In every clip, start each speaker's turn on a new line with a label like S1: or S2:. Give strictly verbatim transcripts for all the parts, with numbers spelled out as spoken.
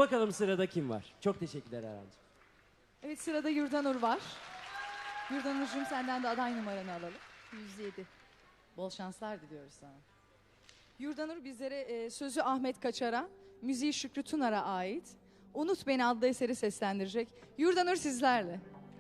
S1: Bakalım sırada kim var? Çok teşekkürler Erhan'cığım.
S2: Evet, sırada Yurdanur var. Yurdanur'cum, senden de aday numaranı alalım. yüz yedi. Bol şanslar diliyoruz sana. Yurdanur bizlere e, sözü Ahmet Kaçar'a, müziği Şükrü Tunar'a ait Unut Beni adlı eseri seslendirecek. Yurdanur sizlerle.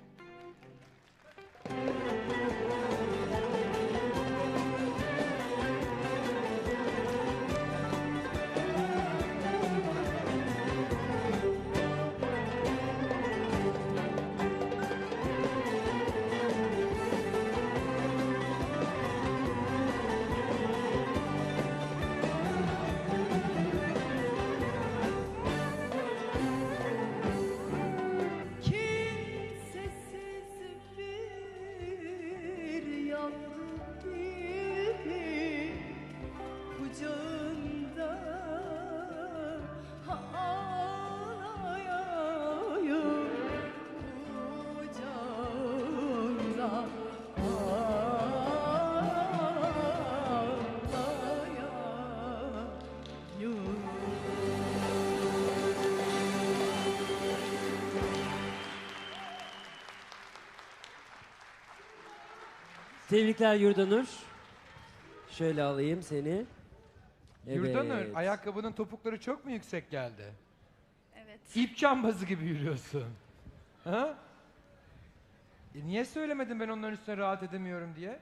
S1: Tebrikler Yurdanur. Şöyle alayım seni. Evet.
S3: Yurdanur, ayakkabının topukları çok mu yüksek geldi?
S4: Evet.
S3: İp cambazı gibi yürüyorsun. Ha? E niye söylemedin ben onların üstüne rahat edemiyorum diye?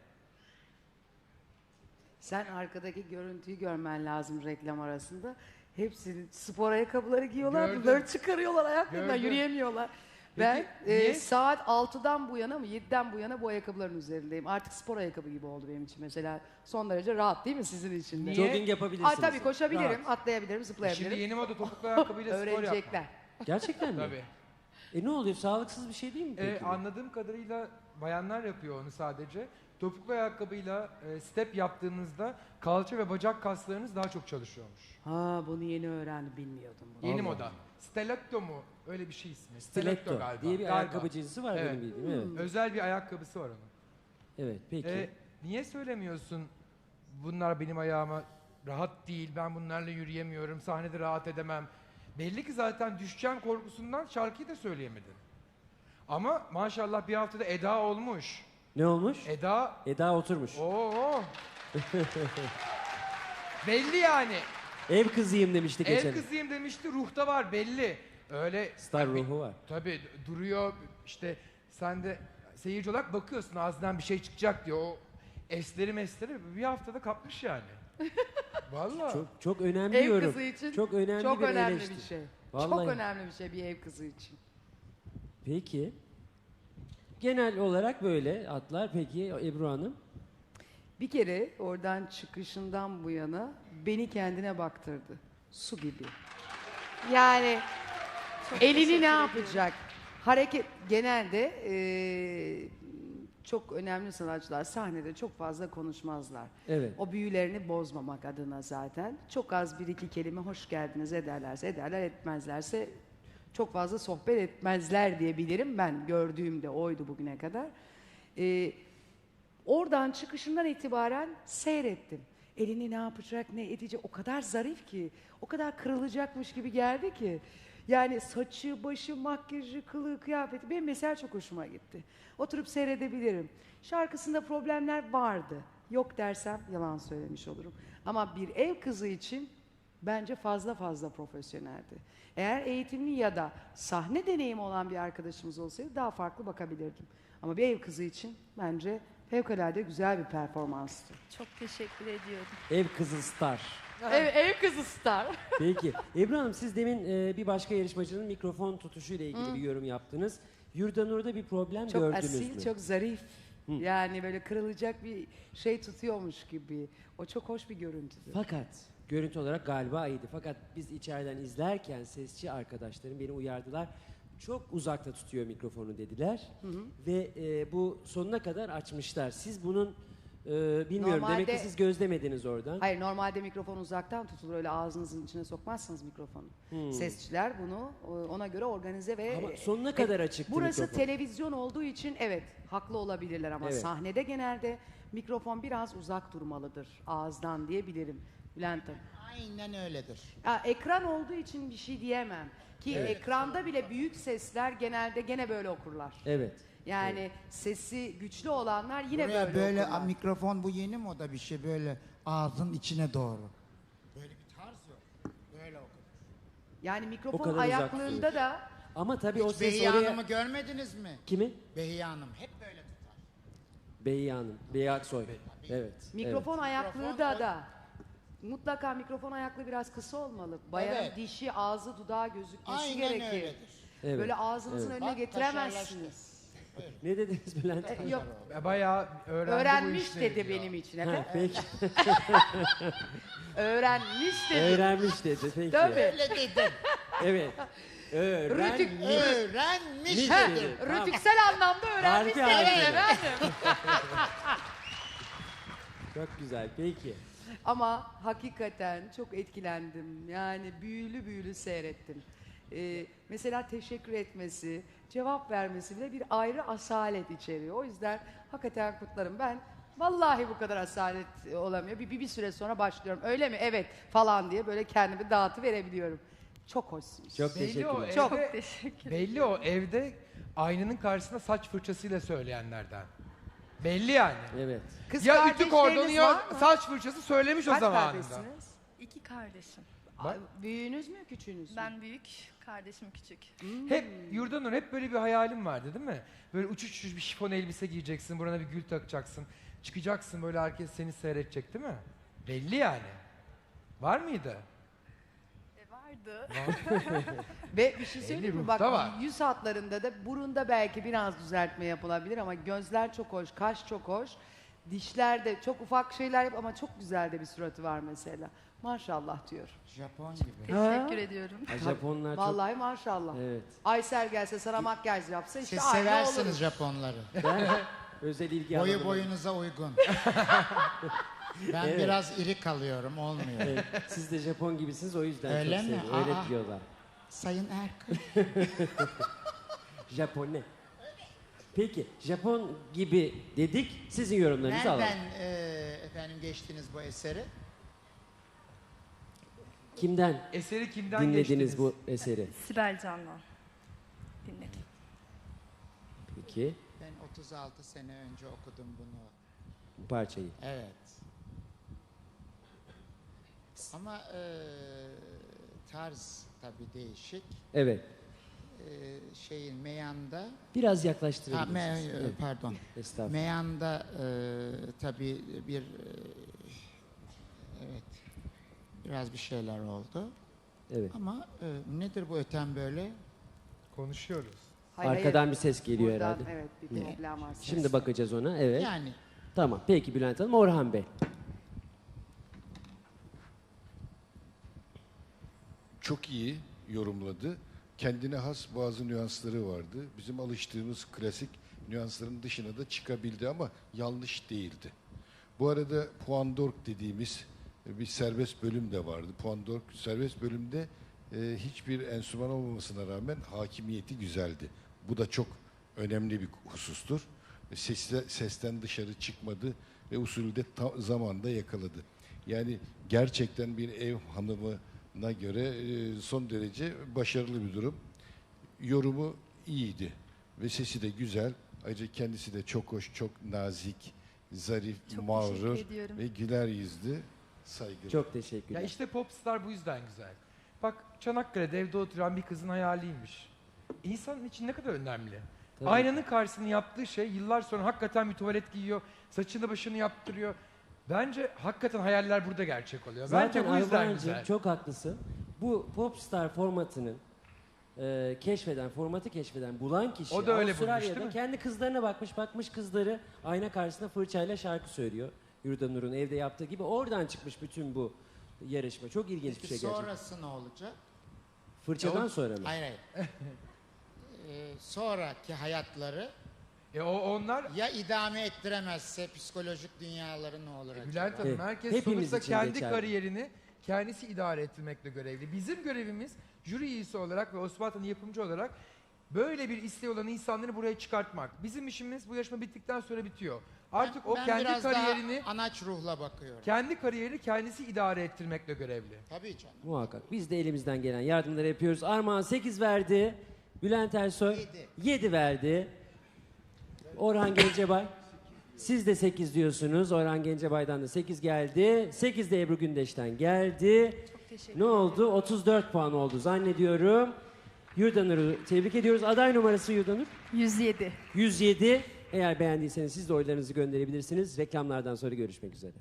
S5: Sen arkadaki görüntüyü görmen lazım reklam arasında. Hepsinin spor ayakkabıları giyiyorlar,
S3: Gördüm.
S5: bunları çıkarıyorlar ayaklarından,
S3: Gördüm.
S5: yürüyemiyorlar.
S3: Peki,
S5: ben
S3: niye?
S5: e, saat altıdan bu yana mı yediden bu yana bu ayakkabıların üzerindeyim. Artık spor ayakkabı gibi oldu benim için mesela. Son derece rahat değil mi sizin için de?
S3: Niye?
S1: Jogging yapabilirsiniz.
S5: Aa, tabii koşabilirim,
S3: Rahat.
S5: atlayabilirim, zıplayabilirim.
S3: Şimdi yeni moda topuklu ayakkabıyla spor yapma.
S5: Öğrenecekler.
S1: Gerçekten mi?
S3: Tabii.
S1: E ne oluyor? Sağlıksız bir şey değil mi peki?
S3: Ee, anladığım kadarıyla bayanlar yapıyor onu sadece. Topuklu ayakkabıyla e, step yaptığınızda kalça ve bacak kaslarınız daha çok çalışıyormuş.
S5: Ha, bunu yeni öğrendim, bilmiyordum bunu.
S3: Yeni
S1: Allah
S3: moda. Stiletto mu? Öyle bir şey ismi.
S1: Stiletto
S3: galiba.
S1: diye bir
S3: Galiba.
S1: ayakkabı cinsi var
S3: Evet.
S1: benim bildiğim. Evet.
S3: Özel bir ayakkabısı var onun.
S1: Evet peki.
S3: Ee, niye söylemiyorsun bunlar benim ayağıma rahat değil, ben bunlarla yürüyemiyorum, sahnede rahat edemem. Belli ki zaten düşeceğim korkusundan şarkıyı da söyleyemedin. Ama maşallah bir haftada Eda olmuş.
S1: Ne olmuş?
S3: Eda,
S1: Eda oturmuş.
S3: ooo. Belli yani.
S1: Ev kızıyım demişti geçen.
S3: Ev kızıyım demişti, ruhta var belli. Öyle.
S1: Star ruhu var.
S3: Tabii duruyor işte, sen de seyirci olarak bakıyorsun ağzından bir şey çıkacak diyor. O esleri mesleri bir haftada kapmış yani. Vallahi.
S1: Çok çok önemli
S5: Ev
S1: yorum.
S5: kızı için
S1: çok önemli
S5: çok
S1: bir
S5: önemli
S1: eleştiri.
S5: bir şey.
S1: Vallahi.
S5: Çok önemli bir şey bir ev kızı için.
S1: Peki. Genel olarak böyle atlar. Peki Ebru Hanım?
S5: Bir kere oradan çıkışından bu yana beni kendine baktırdı. Su gibi. Yani elini ne yapacak? Hareket genelde eee, çok önemli sanatçılar sahnede çok fazla konuşmazlar.
S1: Evet.
S5: O büyülerini bozmamak adına zaten. Çok az bir iki kelime hoş geldiniz ederlerse ederler, etmezlerse çok fazla sohbet etmezler diye bilirim ben. Gördüğümde oydu bugüne kadar. Ee, oradan çıkışından itibaren seyrettim. Elini ne yapacak, ne edecek, o kadar zarif ki, o kadar kırılacakmış gibi geldi ki. Yani saçı, başı, makyajı, kılığı, kıyafeti benim mesela çok hoşuma gitti. Oturup seyredebilirim. Şarkısında problemler vardı. Yok dersem yalan söylemiş olurum. Ama bir ev kızı için bence fazla fazla profesyoneldi. Eğer eğitimli ya da sahne deneyimi olan bir arkadaşımız olsaydı daha farklı bakabilirdim. Ama bir ev kızı için bence fevkalade güzel bir performanstı.
S4: Çok teşekkür ediyorum.
S1: Ev kızı star.
S5: Ev, ev kızı star.
S1: Peki. Ebru Hanım siz demin e, bir başka yarışmacının mikrofon tutuşuyla ilgili bir yorum yaptınız. Yurdanur'da bir problem
S5: Çok
S1: gördünüz
S5: asil,
S1: mü?
S5: çok zarif. Yani böyle kırılacak bir şey tutuyormuş gibi. O çok hoş bir görüntüdü.
S1: Fakat görüntü olarak galiba iyiydi. Fakat biz içeriden izlerken sesçi arkadaşlarım beni uyardılar. Çok uzakta tutuyor mikrofonu dediler. Ve e, bu sonuna kadar açmışlar. Siz bunun e, bilmiyorum demek ki
S5: Normalde-
S1: siz gözlemediniz oradan.
S5: Hayır, normalde mikrofon uzaktan tutulur. Öyle ağzınızın içine sokmazsınız mikrofonu. Sesçiler bunu e, ona göre organize ve...
S1: Ama sonuna kadar açıktı
S5: Burası
S1: mikrofon.
S5: televizyon olduğu için evet haklı olabilirler ama
S1: Evet.
S5: sahnede genelde mikrofon biraz uzak durmalıdır ağızdan diyebilirim. Bülent Hanım.
S6: Aynen öyledir.
S5: Ya, ekran olduğu için bir şey diyemem. Ki ekranda bile büyük sesler genelde gene böyle okurlar.
S1: Evet.
S5: Yani sesi güçlü olanlar yine
S6: Buraya
S5: böyle,
S6: böyle,
S5: okurlar.
S6: mikrofon, bu yeni moda bir şey, böyle ağzın içine doğru. Böyle bir tarz yok. Böyle okur.
S5: Yani
S1: O
S5: mikrofon
S1: kadar uzak
S5: ayaklığında
S1: tutuyor.
S5: da
S1: Ama tabii o
S6: Hiç
S1: ses
S6: Behiye
S1: oraya...
S6: Hanım'ı görmediniz mi?
S1: Kimi?
S6: Behiye Hanım hep böyle tutar.
S1: Behiye Hanım. Behiye Aksoy. Evet.
S5: mikrofon ayaklığı
S6: Mikrofon
S5: da
S6: o-
S5: da mutlaka mikrofon ayaklığı biraz kısa olmalı. Bayanın
S6: Evet.
S5: dişi, ağzı, dudağı gözükmesi
S6: Aynen
S5: gerekir.
S6: öyledir.
S1: Evet.
S5: Böyle ağzınızın
S1: Evet.
S5: önüne
S6: Bak,
S5: getiremezsiniz.
S1: Ne dediniz Bülent
S5: E,
S1: Hanım?
S5: yok,
S3: Bayağı öğrendi bu
S5: öğrenmiş
S3: işleri
S5: dedi
S3: diyor.
S5: benim için
S1: Ha,
S5: efendim.
S1: peki.
S5: Öğrenmiş dedi.
S1: Öğrenmiş dedi. Peki.
S5: Tabii.
S6: Öyle dedim.
S1: Evet. Öğrenmiş.
S6: Öğrenmiş
S1: Miş
S5: He,
S1: dedi. Tamam.
S5: rütüksel anlamda öğrenmiş
S1: Harfi
S5: dedi
S1: harfi.
S5: efendim.
S1: Çok güzel. Peki.
S5: Ama hakikaten çok etkilendim. Yani büyülü büyülü seyrettim. Ee, mesela teşekkür etmesi, cevap vermesi bile bir ayrı asalet içeriyor. O yüzden hakikaten kutlarım. Ben vallahi bu kadar asalet olamıyor. Bir, bir, bir süre sonra başlıyorum. Öyle mi? Evet falan diye böyle kendimi dağıtı verebiliyorum. Çok hoşsunuz.
S1: Çok
S3: Belli o,
S1: teşekkürler.
S5: Çok.
S3: evde,
S4: Teşekkür
S3: belli o evde aynanın karşısında saç fırçasıyla söyleyenlerden. Belli yani.
S1: Evet.
S5: Kız
S3: Ya ütü
S5: kardeşleriniz
S3: kordonu ya
S5: var mı?
S3: saç fırçası söylemiş o
S5: Kaç
S3: zamanında.
S5: kardeşsiniz?
S4: İki kardeşim.
S3: Bak.
S5: Büyüğünüz mü, küçüğünüz mü?
S4: Ben büyük, kardeşim küçük.
S3: Hep Yurdanur hep böyle bir hayalim vardı değil mi? Böyle uçuş uçuş bir şifon elbise giyeceksin, burana bir gül takacaksın. Çıkacaksın böyle herkes seni seyredecek değil mi? Belli yani. Var mıydı?
S4: E vardı.
S5: Ve bir şey söyleyeyim mi?
S3: ruhta
S5: Bak
S3: var.
S5: yüz hatlarında da burunda belki biraz düzeltme yapılabilir ama gözler çok hoş, kaş çok hoş. Dişler de çok ufak şeyler yap ama çok güzel de bir suratı var mesela. Maşallah diyor.
S6: Japon gibi.
S4: Teşekkür ediyorum.
S1: Ha, Japonlar çok...
S5: Vallahi maşallah.
S1: Evet.
S5: Aysel gelse sana makyaj yapsa işte
S6: Siz
S5: aynı
S6: seversiniz
S5: olur.
S6: Japonları.
S1: Ben özel ilgi
S6: Boyu
S1: alanım.
S6: boyunuza uygun. Ben
S1: Evet.
S6: biraz iri kalıyorum, olmuyor.
S1: Evet, siz de Japon gibisiniz o yüzden
S6: Öyle
S1: çok
S6: mi?
S1: seviyorum. Öyle
S6: Aa.
S1: diyorlar.
S6: Sayın Erkın.
S1: Japone. Peki Japon gibi dedik. Sizin yorumlarınızı alalım.
S6: Nereden e, efendim geçtiniz bu eseri?
S1: Kimden
S3: Eseri kimden
S1: dinlediniz
S3: geçtiniz?
S1: bu eseri?
S4: Sibel Can'dan dinledim.
S1: Peki
S6: Ben otuz altı sene önce okudum bunu.
S1: bu parçayı.
S6: Evet. Ama e, tarz tabii değişik.
S1: Evet.
S6: E, şeyin meyanda,
S1: Biraz
S6: ha,
S1: yaklaştırabilirsiniz.
S6: me,
S1: Evet,
S6: pardon.
S1: estağfurullah.
S6: Meyanda e, tabii bir e, evet biraz bir şeyler oldu.
S1: Evet.
S6: Ama e, nedir bu öten böyle?
S3: Konuşuyoruz.
S5: Hayır,
S1: Arkadan
S5: hayır.
S1: bir ses geliyor
S5: Buradan,
S1: herhalde.
S5: Evet bir problem var.
S1: Şimdi bakacağız ona. Evet.
S6: Yani
S1: Tamam. Peki Bülent Hanım. Orhan Bey.
S7: Çok iyi yorumladı. Kendine has bazı nüansları vardı. Bizim alıştığımız klasik nüansların dışına da çıkabildi ama yanlış değildi. Bu arada Puandork dediğimiz bir serbest bölüm de vardı. Puandork serbest bölümde e, hiçbir enstrüman olmamasına rağmen hakimiyeti güzeldi. Bu da çok önemli bir husustur. Sesle, sesten dışarı çıkmadı ve usulü de ta, zamanda yakaladı. Yani gerçekten bir ev hanımına göre e, son derece başarılı bir durum. Yorumu iyiydi ve sesi de güzel. Ayrıca kendisi de çok hoş, çok nazik, zarif,
S4: Çok
S7: mağrur
S4: teşekkür ediyorum.
S7: ve güler yüzlü, saygılı.
S1: Çok teşekkürler.
S3: Ya işte popstar bu yüzden güzel. Bak Çanakkale'de evde oturan bir kızın hayaliymiş. İnsanın için ne kadar önemli.
S1: Tabii.
S3: Aynanın karşısında yaptığı şey yıllar sonra hakikaten bir tuvalet giyiyor, saçını başını yaptırıyor. Bence hakikaten hayaller burada gerçek oluyor.
S1: Zaten
S3: Bence bu yüzden
S1: Ayvancığım
S3: güzel.
S1: çok haklısın. Bu popstar formatının e, keşfeden, formatı keşfeden, bulan kişi
S3: O da öyle bulmuş,
S1: Avustralya'da
S3: değil mi?
S1: kendi kızlarına bakmış, bakmış kızları ayna karşısında fırçayla şarkı söylüyor. Yurdanur'un evde yaptığı gibi oradan çıkmış bütün bu yarışma. Çok ilginç bir
S6: peki
S1: şey gerçekten.
S6: sonrası ne olacak?
S1: Fırçadan
S6: Ya o-
S1: sonra mı?
S6: Hayır hayır. Ee, sonraki hayatları
S3: E o onlar
S6: ya idame ettiremezse psikolojik dünyaları ne olur acaba?
S3: Bülent Hanım
S1: Evet,
S3: herkes
S1: hepimiz
S3: sonuçta
S1: için
S3: kendi
S1: geçerli.
S3: kariyerini kendisi idare ettirmekle görevli. Bizim görevimiz jüri üyesi olarak ve Osmanlı'nın yapımcı olarak böyle bir isteği olan insanları buraya çıkartmak. Bizim işimiz bu yarışma bittikten sonra bitiyor. Artık o
S6: ben
S3: kendi
S6: biraz
S3: kariyerini
S6: daha anaç ruhla bakıyorum.
S3: kendi kariyerini kendisi idare ettirmekle görevli.
S6: Tabii canım.
S1: Muhakkak. Biz de elimizden gelen yardımları yapıyoruz. Armağan sekiz verdi. Bülent Ersoy yedi verdi. Orhan Gencebay. Siz de sekiz diyorsunuz. Orhan Gencebay'dan da sekiz geldi. sekiz de Ebru Gündeş'ten geldi. Ne oldu? otuz dört puan oldu zannediyorum. Yurdanur'u tebrik ediyoruz. Aday numarası Yurdanur?
S4: yüz yedi.
S1: yüz yedi. Eğer beğendiyseniz siz de oylarınızı gönderebilirsiniz. Reklamlardan sonra görüşmek üzere.